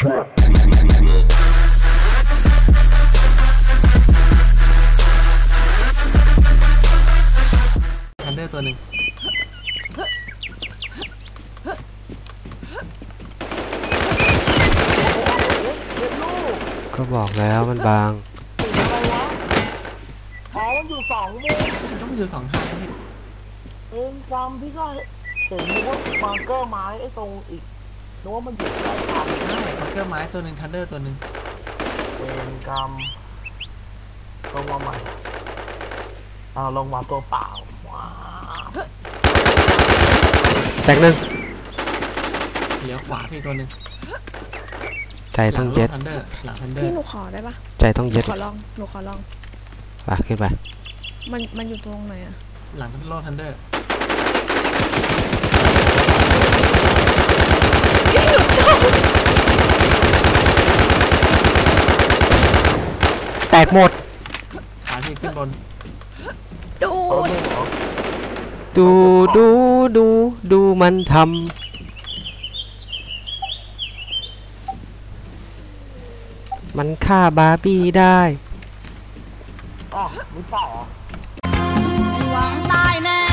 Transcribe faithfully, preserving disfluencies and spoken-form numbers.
ทันเดอร์ตัวหนึ่งก็บอกแล้วมันบางอ๋อมันอยู่สองมุมต้องอยู่สองทางพี่เองจำพี่ก็เห็นนึกว่าบังเกอร์ไม้ไอ้ตรงอีกนึกว่ามันอยู่ใกล้กันใช่บังเกอร์ไม้ตัวหนึ่งทันเดอร์ตัวหนึ่งเองจำลงมาใหม่เอาลงมาตัวเปล่าว้าแตกหนึ่งเหลียวขวาพี่ตัวหนึ่งใจต้องเย็ดทันเดอร์หลังทันเดอร์พี่หนูขอได้ปะใจต้องเย็ดขอลองหนูขอลองไปขึ้นไปมันมันอยู่ตรงไหนอะหลังโลทันเดอร์แตกหมดขาที่ขึ้นบนดูดูดูดูดูมันทำมันฆ่าบาร์บี้ได้อ๋อไม่เปล่าหวังตายแน่